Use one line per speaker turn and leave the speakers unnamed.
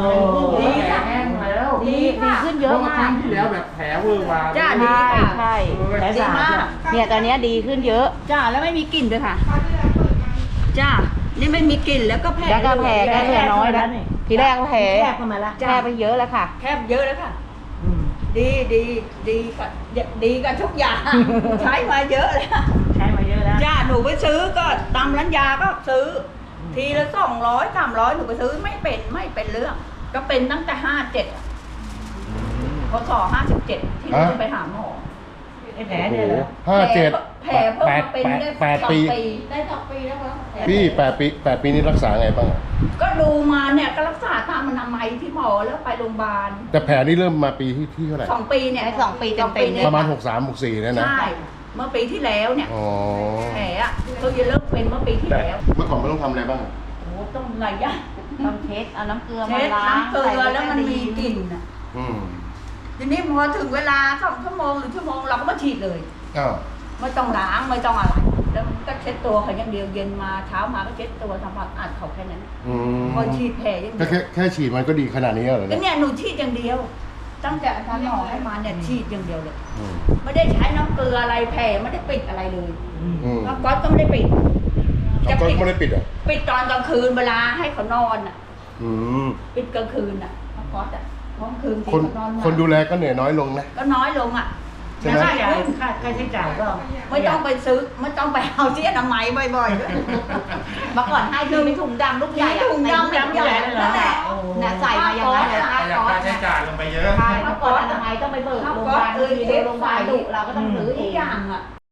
ดีค่ะแห้งแล้วดีขึ้นเยอะมาก
ครั้งที่แล้วแบบแผลเวอร์มา
จ้าดีค่ะใช่แผลสาดเนี่ยตอนนี้ดีขึ้นเยอะจ้าแล้วไม่มีกลิ่นด้วยค่ะจ้านี่ไม่มีกลิ่นแล้วก็แผลก็เหลือน้อยแล้วทีแรกแผลแคบมาแล้วแคบไปเยอะแล้วค่ะแคบเยอะแล้วค่ะดีกับทุกอย่างใช้มาเยอะแล้วจ้าหนูไปซื้อก็ตามร้านยาก็ซื้อทีละ200 300หนูไปซื้อไม่เป็นเรื่องก็เป็นตั้งแต่57พศ57ที่หนูไปหาหมอแผลเนี่ยเหรอแผลเพิ่งมาเป็นได้2 ปีได้2 ปีแล้วครับ
พี่8 ปีนี้รักษาไงบ้าง
ก็ดูมาเนี่ยก็รักษาตามอนามัยที่หมอแล้วไปโรงพยาบาล
แต่แผลนี่เริ่มมาปีที่เท่าไหร่
2 ปีเนี่ย2 ปีเต็มๆ
ประมาณ63 64เนี่ยนะ
ใช่เมื่อปีที่แล้วเนี่ย
อ๋อ
แผลอ่ะเขาจะเริ่มเป็นเมื่อปีที่แล้ว
เมื่อก่อนไม่ต้องทำอะไรบ้าง
โอ้ต้องหลายอย่าง
ต้องเช็ดเอาน้ำเกลือมา
เช็ด
ล้าง
น้ำเกลือแล้วมันมีกลิ่นอ่ะทีนี้พอถึงเวลา2 ชั่วโมงหรือ1 ชั่วโมงเราก็มาฉีดเลย
อ้าว
ไม่ต้องล้างไม่ต้องอะไรแล้วก็เช็ดตัวเขาอย่างเดียวเย็นมาเช้ามาก็เช็ดตัวทำความสะอาดเขาแค่นั้นพอฉีดแผลอย่างเดียว
แค่ฉีดมันก็ดีขนาดนี้เหรอ
เนี่ยหนูฉีดอย่างเดียวตั้งแต่อาจารย์หมอให้มาเนี่ยฉีดอย่างเดียวเลยไม่ได้ใช้น้ำเกลืออะไรแผลไม่ได้ปิดอะไรเลยแล้วก๊อตก็ไม่ได้ปิด
ก็ไม่ได้ปิดอ่ะ
ปิดตอนกลางคืนเวลาให้เขานอนอ่ะปิดกลางคืนอ่ะก๊อตอ่ะกลางคืน
คนดูแลก็เหนื่อยน้อยลงนะ
ก็น้อยลงอ่ะ
ค่าใช้จ่ายก็
ไม่ต้องไปซื้อไม่ต้องไปเอาที่อนามัยบ่อยๆด้วย
เมื่อก่อนให้ดูเป็นถุงดำลูกใหญ่
ถุงดำใหญ่นั่นแหละ
ใส่มาอย่างนั้นเลย
ค่าใช้จ่ายลงไปเยอะ
เมื่อก่อนอนามัยต้องไปเบิกโรงพยาบาลโรงพยาบาลดุเราก็ต้องซื้อเอง